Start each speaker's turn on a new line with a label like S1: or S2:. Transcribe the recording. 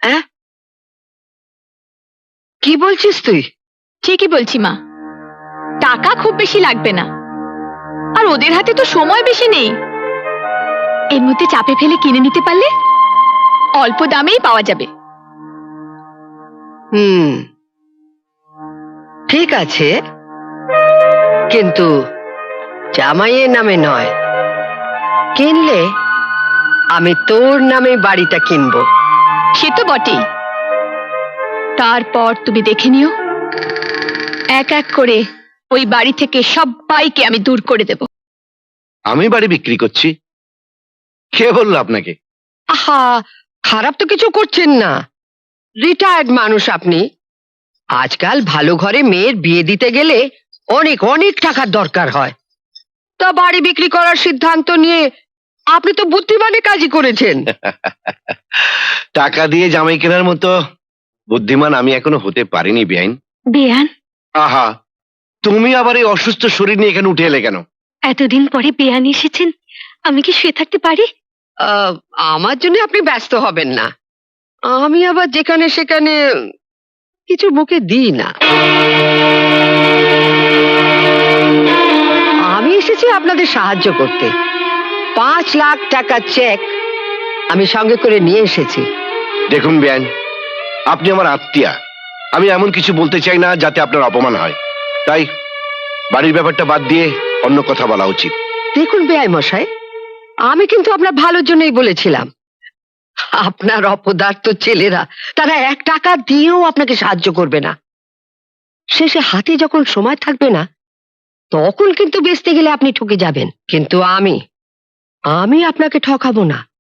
S1: হ্যাঁ, কি বলছিস তুই?
S2: ঠিকই বলছি মা, টাকা খুব বেশি লাগবে না, আর ওদের হাতে তো সময় বেশি নেই। এর মধ্যে চাপে ফেলে কিনে নিতে পারলে অল্প দামেই পাওয়া যাবে।
S1: ঠিক আছে, কিন্তু জামাইয়ের নামে নয়, কিনলে আমি তোর নামে বাড়িটা কিনবো।
S2: সে তো বটেই। তারপর তুমি দেখে নিও, এক এক করে ওই বাড়ি থেকে সবাইকে আমি দূর করে দেব।
S3: আমি বাড়ি বিক্রি করছি? কে বললো আপনাকে?
S1: আহা, খারাপ তো কিছু করছেন না, রিটায়ার্ড মানুষ আপনি। আজকাল ভালো ঘরে মেয়ের বিয়ে দিতে গেলে অনেক অনেক টাকার দরকার হয়। তা বাড়ি বিক্রি করার সিদ্ধান্ত নিয়ে আপনি তো বুদ্ধিমানের কাজই করেছেন।
S3: টাকা দিয়ে জামাই কেনার মতো বুদ্ধিমান আমি এখনো হতে পারিনি বেআইন।
S2: বেয়ান,
S3: আহা, তুমি আবার এই অসুস্থ শরীর নিয়ে এখানে উঠে এলে কেন?
S2: এতদিন পরে বেয়ান এসেছেন, আমি কি শুয়ে থাকতে পারি?
S1: আমার জন্য আপনি ব্যস্ত হবেন না, আমি আবার যেখানে সেখানে কিছু মুখে দিই না। আমি এসেছি আপনাদের সাহায্য করতে। 5 লাখ টাকা চেক আমি সঙ্গে করে নিয়ে এসেছি।
S3: দেখুন বেআইন, আপনি আমার আত্মীয়া, আমি এমন কিছু বলতে চাই না যাতে আপনার অপমান হয়, তাই বাড়ির ব্যাপারটা বাদ দিয়ে অন্য কথা বলা উচিত।
S1: দেখুন বেআই মশাই, আমি কিন্তু আপনার ভালোর জন্যই বলেছিলাম। আপনার অপদার্থ ছেলেরা তারা 1 টাকা দিয়েও আপনাকে সাহায্য করবে না। শেষে হাতে যখন সময় থাকবে না, তখন কিন্তু বেচতে গেলে আপনি ঠকে যাবেন। কিন্তু আমি আপনাকে ঠকাবো না।